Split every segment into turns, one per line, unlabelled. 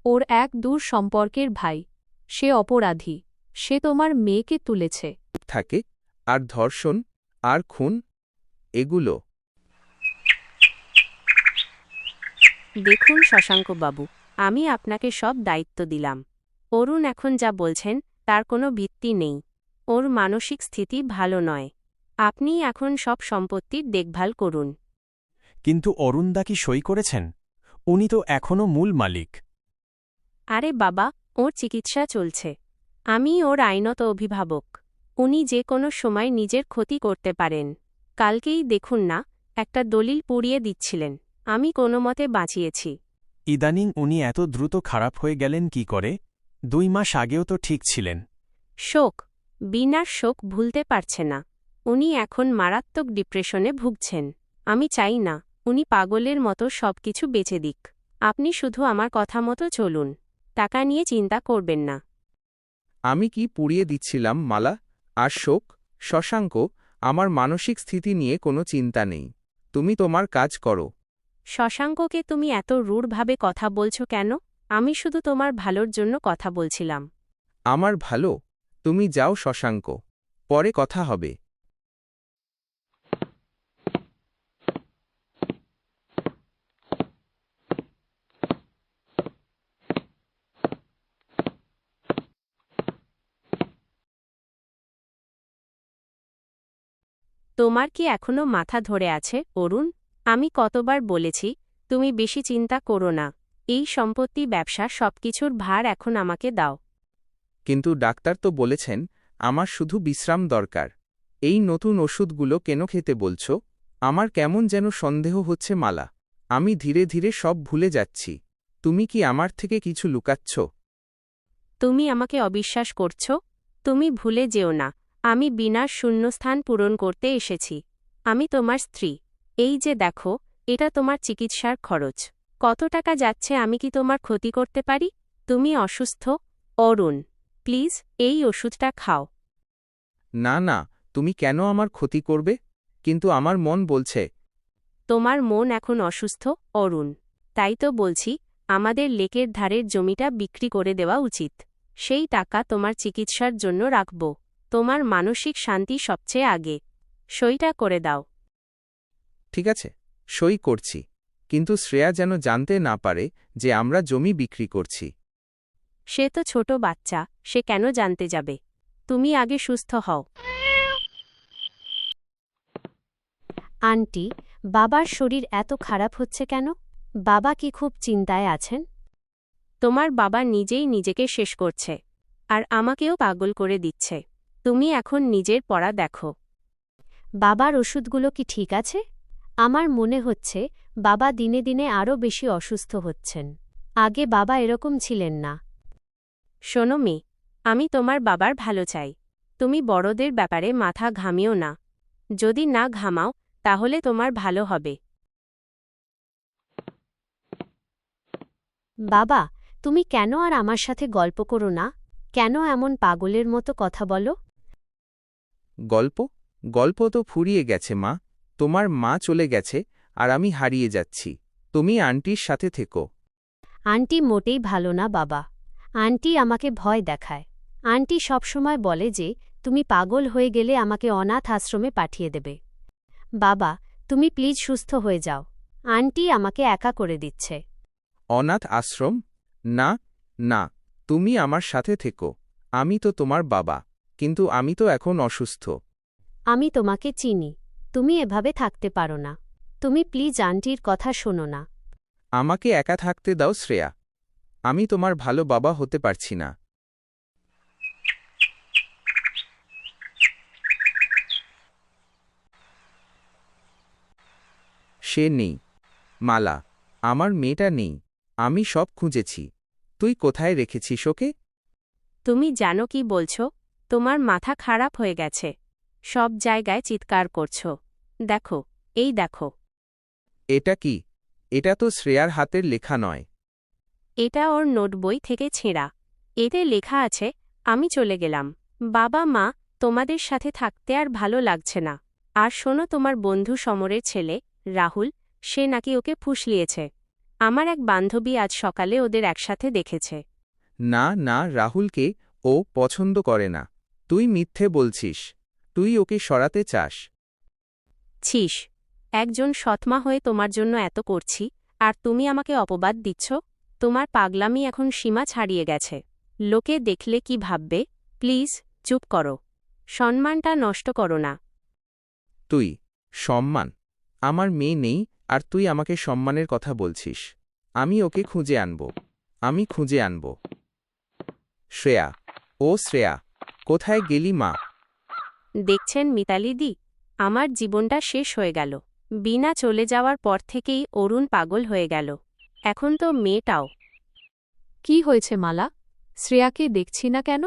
ওর এক দূর সম্পর্কের ভাই। সে অপরাধী। সে তোমার মেয়েকে তুলেছে।
থাকে আর ধর্ষণ আর খুন এগুলো।
দেখুন শশাঙ্কবাবু, আমি আপনাকে সব দায়িত্ব দিলাম। অরুণ এখন যা বলছেন তার কোনো ভিত্তি নেই। ওর মানসিক স্থিতি ভালো নয়। আপনি এখন সব সম্পত্তির দেখভাল করুন।
কিন্তু অরুণদা কি সই করেছেন? উনি তো এখনও মূল মালিক।
আরে বাবা, ওর চিকিৎসা চলছে। আমি ওর আইনত অভিভাবক। উনি যে কোনো সময় নিজের ক্ষতি করতে পারেন। কালকেই দেখুন না, একটা দলিল পুড়িয়ে দিচ্ছিলেন। আমি কোনোমতে বাঁচিয়েছি।
ইদানিং উনি এত দ্রুত খারাপ হয়ে গেলেন কি করে? 2 মাস আগেও তো ঠিক ছিলেন।
শোক, বিনার শোক ভুলতে পারছে না। উনি এখন মারাত্মক ডিপ্রেশনে ভুগছেন। আমি চাই না উনি পাগলের মতো সবকিছু বেচে দিক। আপনি শুধু আমার কথা মতো চলুন। টাকা নিয়ে চিন্তা করবেন না।
আমি কি পুড়িয়ে দিচ্ছিলাম মালা আর শোক? শশাঙ্ক, আমার মানসিক স্থিতি নিয়ে কোনো চিন্তা নেই। তুমি তোমার কাজ করো।
শশাঙ্ককে তুমি এত রূঢ়ভাবে কথা বলছো কেন? আমি শুধু তোমার ভালোর জন্য কথা বলছিলাম।
আমার ভালো? তুমি যাও শশাঙ্ক, পরে কথা হবে।
তোমার কি এখনো মাথা ধরে আছে অরুণ? আমি কতবার বলেছি তুমি বেশি চিন্তা করো না। এই সম্পত্তি ব্যবসা সবকিছুর ভার এখন আমাকে দাও।
কিন্তু ডাক্তার তো বলেছেন আমার শুধু বিশ্রাম দরকার। এই নতুন ওষুধগুলো কেন খেতে বলছো? আমার কেমন যেন সন্দেহ হচ্ছে মালা। আমি ধীরে ধীরে সব ভুলে যাচ্ছি। তুমি কি আমার থেকে কিছু লুকাচ্ছ?
তুমি আমাকে অবিশ্বাস করছ? তুমি ভুলে যেও না, আমি বিনার শূন্যস্থান পূরণ করতে এসেছি। আমি তোমার স্ত্রী। এই যে দেখো, এটা তোমার চিকিৎসার খরচ। কত টাকা যাচ্ছে আমি কি তোমার ক্ষতি করতে পারি? তুমি অসুস্থ অরুণ, প্লিজ এই ওষুধটা খাও।
না না, তুমি কেন আমার ক্ষতি করবে? কিন্তু আমার মন বলছে।
তোমার মন এখন অসুস্থ অরুণ। তাই তো বলছি আমাদের লেকের ধারের জমিটা বিক্রি করে দেওয়া উচিত। সেই টাকা তোমার চিকিৎসার জন্য রাখব। তোমার মানসিক শান্তি সবচেয়ে আগে। সইটা করে দাও।
ঠিক আছে, সই করছি। কিন্তু শ্রেয়া যেন জানতে না পারে যে আমরা জমি বিক্রি করছি।
সে তো ছোট বাচ্চা, সে কেন জানতে যাবে? তুমি আগে সুস্থ হও।
আন্টি, বাবার শরীর এত খারাপ হচ্ছে কেন? বাবা কি খুব চিন্তায় আছেন?
তোমার বাবা নিজেই নিজেকে শেষ করছে। আর আমাকেও পাগল করে দিচ্ছে। তুমি এখন নিজের পড়া দেখো।
বাবার ওষুধগুলো কি ঠিক আছে? আমার মনে হচ্ছে বাবা দিনে দিনে আরও বেশি অসুস্থ হচ্ছেন। আগে বাবা এরকম ছিলেন না।
শোনো মেয়ে, আমি তোমার বাবার ভালো চাই। তুমি বড়দের ব্যাপারে মাথা ঘামিও না। যদি না ঘামাও তাহলে তোমার ভালো হবে।
বাবা, তুমি কেন আর আমার সাথে গল্প করো না? কেন এমন পাগলের মতো কথা বলো?
গল্প? গল্প তো ফুরিয়ে গেছে মা। তোমার মা চলে গেছে আর আমি হারিয়ে যাচ্ছি। তুমি আন্টির সাথে থেকো।
আন্টি মোটেই ভালো না বাবা। আন্টি আমাকে ভয় দেখায়। আন্টি সবসময় বলে যে তুমি পাগল হয়ে গেলে আমাকে অনাথ আশ্রমে পাঠিয়ে দেবে। বাবা, তুমি প্লিজ সুস্থ হয়ে যাও। আন্টি আমাকে একা করে দিচ্ছে।
অনাথ আশ্রম? না না, তুমি আমার সাথে থেকো। আমি তো তোমার বাবা, কিন্তু আমি তো এখন অসুস্থ।
আমি তোমাকে চিনি। তুমি এভাবে থাকতে পারো না। তুমি প্লিজ আন্টির কথা শোনো না।
আমাকে একা থাকতে দাও শ্রেয়া। আমি তোমার ভালো বাবা হতে পারছি না। সে নেই। মালা, আমার মেয়েটা নেই। আমি সব খুঁজেছি। তুই কোথায় রেখেছিস ওকে?
তুমি জানো কি বলছো? তোমার মাথা খারাপ হয়ে গেছে। সব জায়গায় চিৎকার করছো। দেখো, এই দেখো।
এটা কি? এটা তো শ্রেয়ার হাতের লেখা নয়।
এটা ওর নোটবই থেকে ছেঁড়া। এতে লেখা আছে, আমি চলে গেলাম। বাবা মা, তোমাদের সাথে থাকতে আর ভালো লাগছে না। আর শোনো, তোমার বন্ধু সমরের ছেলে রাহুল, সে নাকি ওকে ফুসলিয়েছে। আমার এক বান্ধবী আজ সকালে ওদের একসাথে দেখেছে।
না না, রাহুলকে ও পছন্দ করে না। তুই মিথ্যে বলছিস। তুই ওকে সরাতে চাস।
ছিস, একজন সৎমা হয়ে তোমার জন্য এত করছি, আর তুমি আমাকে অপবাদ দিচ্ছ? তোমার পাগলামি এখন সীমা ছাড়িয়ে গেছে। লোকে দেখলে কি ভাববে? প্লিজ চুপ করো। সম্মানটা নষ্ট করো না।
তুই সম্মান? আমার মেয়ে নেই আর তুই আমাকে সম্মানের কথা বলছিস? আমি ওকে খুঁজে আনব। আমি খুঁজে আনব। শ্রেয়া, ও শ্রেয়া, কোথায় গেলি মা?
দেখছেন মিতালিদি, আমার জীবনটা শেষ হয়ে গেল। বিনা চলে যাওয়ার পর থেকেই অরুণ পাগল হয়ে গেল। এখন তো মেয়েটাও।
কি হয়েছে মালা? শ্রেয়াকে দেখছি না কেন?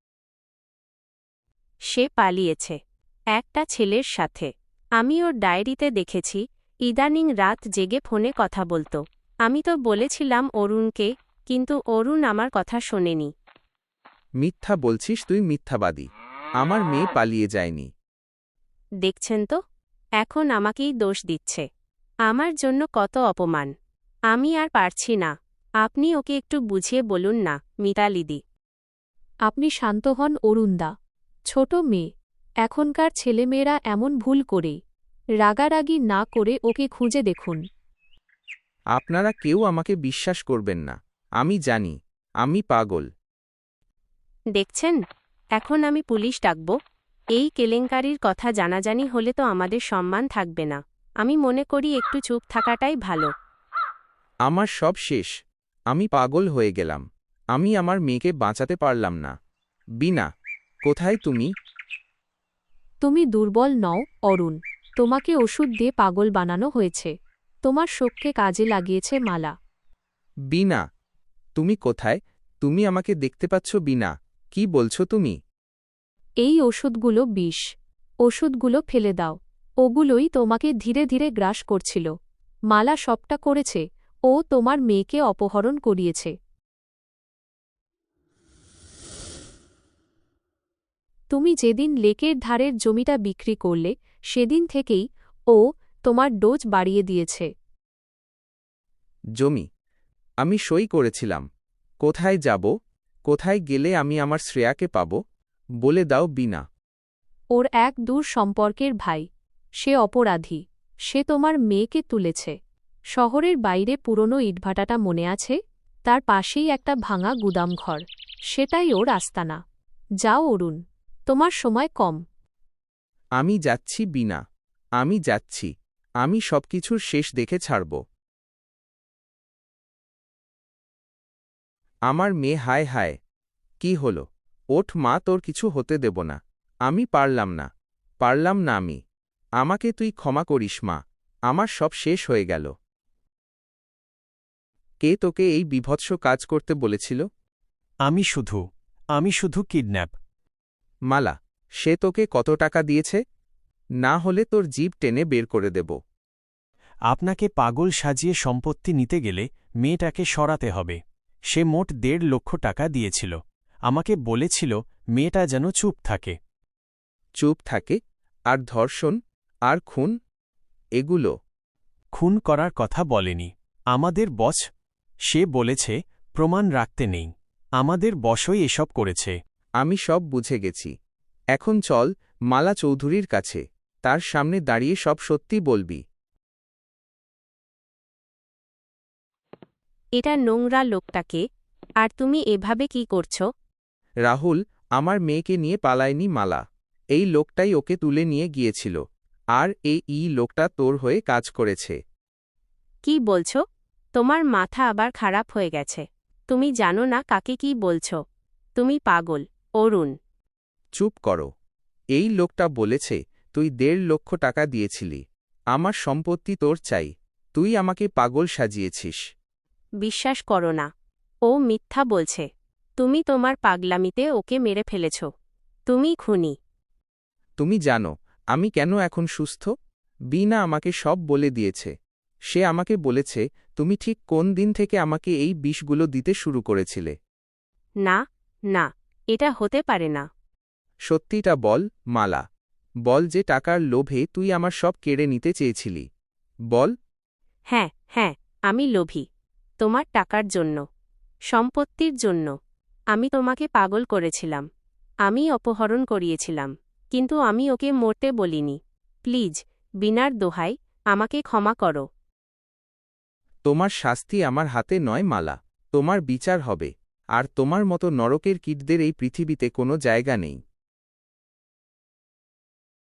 সে পালিয়েছে একটা ছেলের সাথে। আমি ওর ডায়েরিতে দেখেছি ইদানিং রাত জেগে ফোনে কথা বলতো। আমি তো বলেছিলাম অরুণকে, কিন্তু অরুণ আমার কথা শোনেনি।
মিথ্যা বলছিস তুই, মিথ্যাবাদী। আমার মেয়ে পালিয়ে যায়নি।
দেখছেন তো, এখন আমাকেই দোষ দিচ্ছে। আমার জন্য কত অপমান। আমি আর পারছি না। আপনি ওকে একটু বুঝিয়ে বলুন না মিতালিদি।
আপনি শান্ত হন অরুণদা। ছোট মেয়ে, এখনকার ছেলেমেয়েরা এমন ভুল করেই। রাগারাগি না করে ওকে খুঁজে দেখুন।
আপনারা কেউ আমাকে বিশ্বাস করবেন না। আমি জানি আমি পাগল।
দেখছেন, এখন আমি পুলিশ ডাকব। এই কেলেঙ্কারির কথা জানাজানি হলে তো আমাদের সম্মান থাকবে না। আমি মনে করি একটু চুপ থাকাটাই ভালো।
আমার সব শেষ। আমি পাগল হয়ে গেলাম। আমি আমার মেয়েকে বাঁচাতে পারলাম না। বিনা, কোথায় তুমি?
তুমি দুর্বল নও অরুণ। তোমাকে ওষুধ দিয়ে পাগল বানানো হয়েছে। তোমার শোককে কাজে লাগিয়েছে মালা।
বিনা, তুমি কোথায়? তুমি আমাকে দেখতে পাচ্ছ বিনা? কি বলছো তুমি?
এই ওষুধগুলো বিষ। ওষুধগুলো ফেলে দাও। ওগুলোই তোমাকে ধীরে ধীরে গ্রাস করছিল। মালা সবটা করেছে। ও তোমার মেয়েকে অপহরণ করিয়েছে। তুমি যেদিন লেকের ধারের জমিটা বিক্রি করলে সেদিন থেকেই ও তোমার ডোজ বাড়িয়ে দিয়েছে।
জমি? আমি সই করেছিলাম। কোথায় যাব? কোথায় গেলে আমি আমার শ্রেয়াকে পাব? বলে দাও বিনা।
ওর এক দূর সম্পর্কের ভাই। সে অপরাধী। সে তোমার মেয়েকে তুলেছে। শহরের বাইরে পুরনো ইটভাটাটা মনে আছে? তার পাশেই একটা ভাঙা গুদামঘর। সেটাই ওর আস্তানা। যাও অরুণ, তোমার সময় কম।
আমি যাচ্ছি বিনা। আমি যাচ্ছি। আমি সবকিছুর শেষ দেখে ছাড়ব। আমার মেয়ে, হায় হায়। কি হল? ওঠ মা, তোর কিছু হতে দেব না। আমি পারলাম না। পারলাম না আমি। আমাকে তুই ক্ষমা করিস মা। আমার সব শেষ হয়ে গেল। কে তোকে এই বিভৎস কাজ করতে বলেছিল?
আমি শুধু কিডন্যাপ।
মালা, সে তোকে কত টাকা দিয়েছে? না হলে তোর জিভ টেনে বের করে দেব।
আপনাকে পাগল সাজিয়ে সম্পত্তি নিতে গেলে মেয়েটাকে সরাতে হবে। সে মোট ১.৫ লক্ষ টাকা দিয়েছিল। আমাকে বলেছিল মেয়েটা যেন চুপ থাকে।
চুপ থাকে? আর ধর্ষণ আর খুন? এগুলো?
খুন করার কথা বলেনি। আমাদের বস, সে বলেছে প্রমাণ রাখতে নেই। আমাদের বসই এসব করেছে।
আমি সব বুঝে গেছি। এখন চল মালা চৌধুরীর কাছে। তার সামনে দাঁড়িয়ে সব সত্যি বলবি।
এটা নোংরা লোকটাকে। আর তুমি এভাবে কি করছো?
রাহুল আমার মেয়েকে নিয়ে পালায়নি মালা। এই লোকটাই ওকে তুলে নিয়ে গিয়েছিল। আর এই লোকটা তোর হয়ে কাজ করেছে।
কি বলছো? তোমার মাথা আবার খারাপ হয়ে গেছে। তুমি জানো না কাকে কি বলছো। তুমি পাগল অরুণ।
চুপ করো। এই লোকটা বলেছে তুই ১.৫ লক্ষ টাকা দিয়েছিলি। আমার সম্পত্তি তোর চাই। তুই আমাকে পাগল সাজিয়েছিস।
বিশ্বাস করো না। ও মিথ্যা বলছে। তুমি তোমার পাগলামিতে ওকে মেরে ফেলেছ। তুমি খুনি।
তুমি জানো আমি কেন এখন সুস্থ? বিনা আমাকে সব বলে দিয়েছে। সে আমাকে বলেছে তুমি ঠিক কোন দিন থেকে আমাকে এই বিষগুলো দিতে শুরু করেছিলে।
না, না, এটা হতে পারে না।
সত্যিটা বল মালা। বল যে টাকার লোভে তুই আমার সব কেড়ে নিতে চেয়েছিলি। বল।
হ্যাঁ, হ্যাঁ, আমি লোভী। তোমার টাকার জন্য, সম্পত্তির জন্য। আমি তোমাকে পাগল করেছিলাম। আমি অপহরণ করিয়েছিলাম, কিন্তু আমি ওকে মরতে বলিনি। প্লিজ, বিনার দোহাই, আমাকে ক্ষমা করো।
তোমার শাস্তি আমার হাতে নয় মালা, তোমার বিচার হবে। আর তোমার মতো নরকের কীটদের এই পৃথিবীতে কোনো জায়গা নেই।